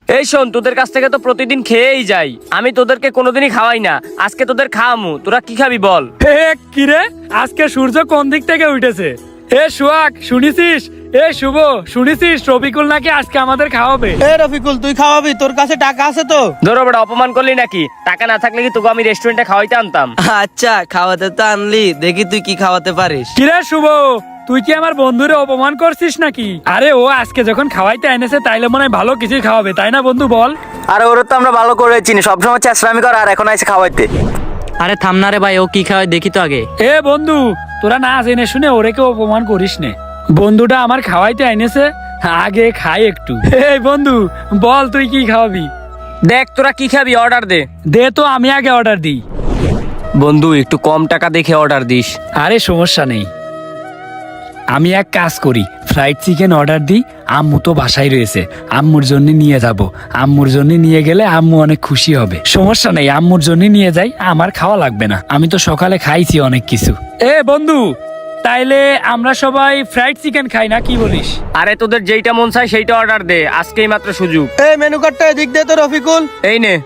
এই শোন, তোদের কাছ থেকে তো প্রতিদিন খেয়েই যাই, আমি তোদেরকে কোনোদিনই খাওয়াই না, আজকে তোদের খাওয়ামু। তোরা কি খাবি বল? হে কিরে, আজকে সূর্য কোন দিক থেকে উঠেছে? এ সোহাগ শুনেছিস? এ শুভ শুনেছিস? রফিকুল নাকি আজকে আমাদের খাওয়াবে। এ রফিকুল, তুই খাওয়াবি? তোর কাছে টাকা আছে তো? ধরো বড় অপমান করলি নাকি? টাকা না থাকলে কি তোকে আমি রেস্টুরেন্টে খাওয়াইতে আনতাম? আচ্ছা খাওয়াতে তো আনলি, দেখি তুই কি খাওয়াতে পারিস। কিরে শুভ, তুই কি আমার বন্ধুরে অপমান করছিস নাকি? আরে ও আজকে যখন খাওয়াইতে এনেছে তাইলে মনে হয় ভালো কিছু খাওয়াবে, তাই না বন্ধু বল? আরে ওরা তো আমরা ভালো করে চিনি, সবসময় চেষ্টামি করে আর এখন এসে খাওয়াইতে। আরে থাম না রে ভাই, ও কি খাওয়ায় দেখি তো আগে। এ বন্ধু, তোরা না জেনে শুনে ওরে কেউ অপমান করিস নে। বন্ধুটা আমার খাওয়াইতে এনেছে, আগে খাই একটু। এই বন্ধু বল তুই কি খাওয়াবি? দেখ তোরা কি খাবি, অর্ডার দে। দে তো, আমি আগে অর্ডার দিই। বন্ধু একটু কম টাকা দেখে অর্ডার দিস। আরে সমস্যা নেই, আমি এক কাজ করি, ফ্রাইড চিকেন অর্ডার দিই। আম্মু তো বাসায় রয়েছে, আম্মুর জন্য নিয়ে যাব। আম্মুর জন্য নিয়ে গেলে আম্মু অনেক খুশি হবে। সমস্যা নেই, আম্মুর জন্য নিয়ে যাই, আমার খাওয়া লাগবে না, আমি তো সকালে খাইছি অনেক কিছু। এ বন্ধু, তাইলে আমরা সবাই ফ্রাইড চিকেন খাই না, কি বলিস? আরে তোদের যেইটা মন চায় সেইটা অর্ডার দে, আজকেই মাত্র সুযোগ। এই মেনু কার্ডটা এদিক দে তো রফিকুল। এই নে।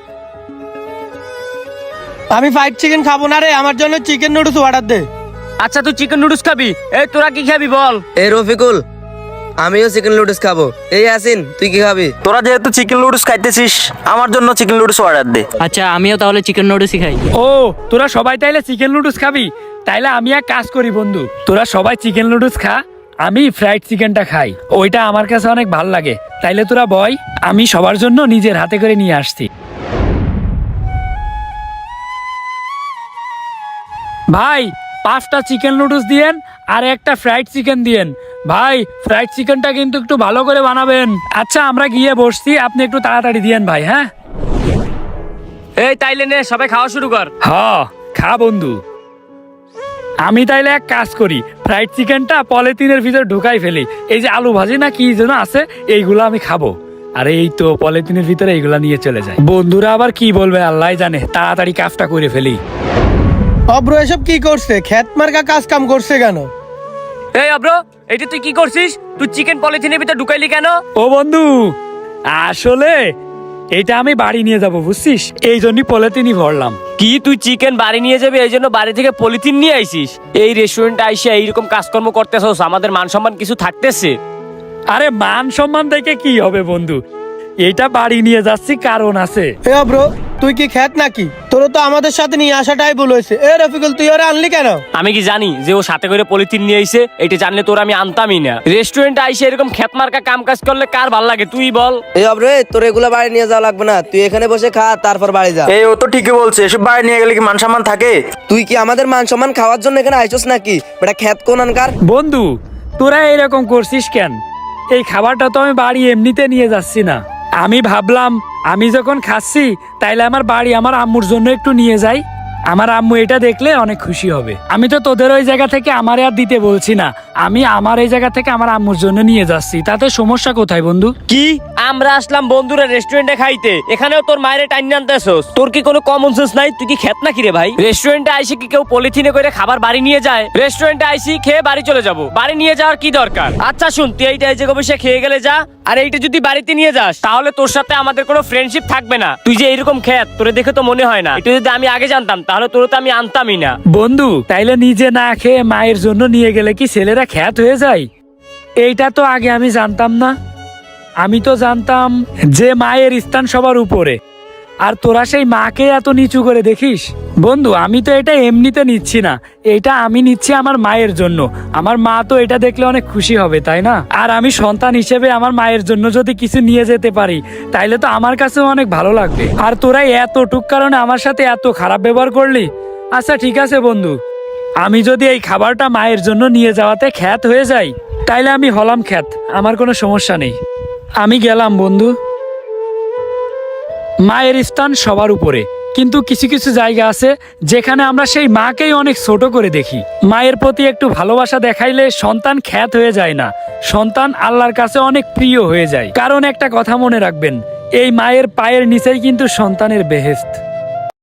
আমি ফ্রাইড চিকেন খাবো না রে, আমার জন্য চিকেন নুডলস অর্ডার দে। আচ্ছা তুই চিকেন নুডলস খাবি? এই তোরা কি খাবি বল? এই রফিকুল, আমিও চিকেন নুডলস খাবো। এই আসিন, তুই কি খাবি? তোরা যেহেতু চিকেন নুডলস খাইতেছিস, আমার জন্য চিকেন নুডলস অর্ডার দে। আচ্ছা আমিও তাহলে চিকেন নুডলসই খাই। ও তোরা সবাই তাইলে চিকেন নুডলস খাবি? তাইলে আমি এক কাজ করি বন্ধু, তোরা সবাই চিকেন নুডলস খা, আমি ফ্রাইড চিকেনটা খাই, ওইটা আমার কাছে অনেক ভালো লাগে। তাইলে তোরা বয়, আমি সবার জন্য নিজের হাতে করে নিয়ে আসছি। ভাই 5টা চিকেন নুডলস দিয়েন আর একটা ফ্রাইড চিকেন দিয়েন। ভাই ফ্রাইড চিকেনটা কিন্তু একটু ভালো করে বানাবেন। আচ্ছা আমরা গিয়ে বসছি, আপনি একটু তাড়াতাড়ি দিয়েন ভাই। হ্যাঁ এই তাইলে নে, সবাই খাওয়া শুরু কর। হ্যাঁ খা বন্ধু। আমি তাইলে এক কাজ করি, ফ্রাইড চিকেনটা পলিথিনের ভিতর ঢুকাই ফেলি। এই যে আলু ভাজি না কি যেন আছে, এইগুলো আমি খাবো। আরে এই তো পলিথিনের ভিতরে এইগুলা নিয়ে চলে যায়। বন্ধুরা আবার কি বলবে আল্লাহ জানে, তাড়াতাড়ি কাজটা করে ফেলি। অব্র এসব কি করছে? খেত মার্কা কাজ কাম করছে কেন? এই অব্র, এটা তুই কি করছিস? তুই চিকেন পলিথিনের ভিতর ঢুকাইলি কেন? ও বন্ধু, আসলে এটা আমি বাড়ি নিয়ে যাব বুঝছিস, এই জন্যই পলিথিনই ভরলাম। কি তুই চিকেন বাড়ি নিয়ে যাবি এই জন্য বাড়ি থেকে পলিথিন নিয়ে আইছিস? এই রেস্টুরেন্টে আইসা এইরকম কাজকর্ম করতেছস, আমাদের মান সম্মান কিছু থাকতেছে? আরে মান সম্মান দেখে কি হবে বন্ধু, এটা বাড়ি নিয়ে যাচ্ছি কারণ আছে। এ অব্র, তুই কি খেত নাকি? তোর তো আমাদের সাথে নিয়ে আসাটাই ভুল হয়েছে। এ রফিকুল, তুই ওরা আনলি কেন? আমি কি জানি যে ও সাথে করে পলিথিন নিয়ে আইছে? এটা জানলে তোর আমি আনতামই না। রেস্টুরেন্টে আইসে এরকম খেতমার্কা কাম কাজ করলে কার ভাল লাগে তুই বল? এই অব্রে, তোর এগুলা বাড়ি নিয়ে যাওয়া লাগবে না, তুই এখানে বসে খা, তারপর বাড়ি যা। এই ও তো ঠিকই বলছে, এসব বাড়ি নিয়ে গেলে কি মান সম্মান থাকে? তুই কি আমাদের মান সম্মান খাওয়ার জন্য এখানে আইছস নাকি? বেটা খেত কোন আনকার। বন্ধু তোরা এরকম করছিস কেন? এই খাবারটা তো আমি বাড়ি এমনিতে নিয়ে যাচ্ছি না, আমি ভাবলাম আমি যখন খাচ্ছি তাইলে আমার বাড়ি আমার আম্মুর জন্য একটু নিয়ে যাই, আমার আম্মু এটা দেখলে অনেক খুশি হবে। আমি তো তোদের ওই জায়গা থেকে আমারে আর দিতে বলছি না, আমি আমার এই জায়গা থেকে আমার আম্মুর জন্য নিয়ে যাচ্ছি, তাতে সমস্যা কোথায় বন্ধু? কি আমরা আসলাম বন্ধুরা রেস্টুরেন্টে খাইতে, এখানেও তোর মায়ের টাইন আনতেছস? তোর কি কোনো কমন সেন্স নাই? তুই কি খেত নাকি রে ভাই? রেস্টুরেন্টে আইসি কি কেউ পলিথিনে করে খাবার বাড়ি নিয়ে যায়? রেস্টুরেন্টে আইসি খেয়ে বাড়ি চলে যাব, বাড়ি নিয়ে যাওয়ার কি দরকার? আচ্ছা শুন, তুই এইটা এই জায়গায় বসে খেয়ে গেলে যা, আর এইটা যদি বাড়িতে নিয়ে যাস তাহলে তোর সাথে আমাদের কোনো ফ্রেন্ডশিপ থাকবে না। তুই যে এইরকম খেত, তোরে দেখে তো মনে হয় না। এটা যদি আমি আগে জানতাম তাহলে তোর তো আমি আনতামই না। বন্ধু তাইলে নিজে না খেয়ে মায়ের জন্য নিয়ে গেলে কি ছেলেরা খ্যাত হয়ে যায়? এইটা তো আগে আমি জানতাম না। আমি তো জানতাম যে মায়ের স্থান সবার উপরে, আর তোরা সেই মাকে এত নিচু করে দেখিস। বন্ধু আমি তো এটা এমনিতে নিচ্ছি না, এটা আমি নিচ্ছি আমার মায়ের জন্য। আমার মা তো এটা দেখলে অনেক খুশি হবে, তাই না? আর আমি সন্তান হিসেবে আমার মায়ের জন্য যদি কিছু নিয়ে যেতে পারি তাইলে তো আমার কাছেও অনেক ভালো লাগবে। আর তোরা এতটুক কারণে আমার সাথে এত খারাপ ব্যবহার করলি। আচ্ছা ঠিক আছে বন্ধু, আমি যদি এই খাবারটা মায়ের জন্য নিয়ে যাওয়াতে খ্যাত হয়ে যাই তাইলে আমি হলাম খ্যাত, আমার কোনো সমস্যা নেই। আমি গেলাম বন্ধু। মায়ের স্থান সবার উপরে, কিন্তু কিছু কিছু জায়গা আছে যেখানে আমরা সেই মাকেই অনেক ছোট করে দেখি। মায়ের প্রতি একটু ভালোবাসা দেখাইলে সন্তান খ্যাত হয়ে যায় না, সন্তান আল্লাহর কাছে অনেক প্রিয় হয়ে যায়। কারণ একটা কথা মনে রাখবেন, এই মায়ের পায়ের নিচেই কিন্তু সন্তানের বেহেশত।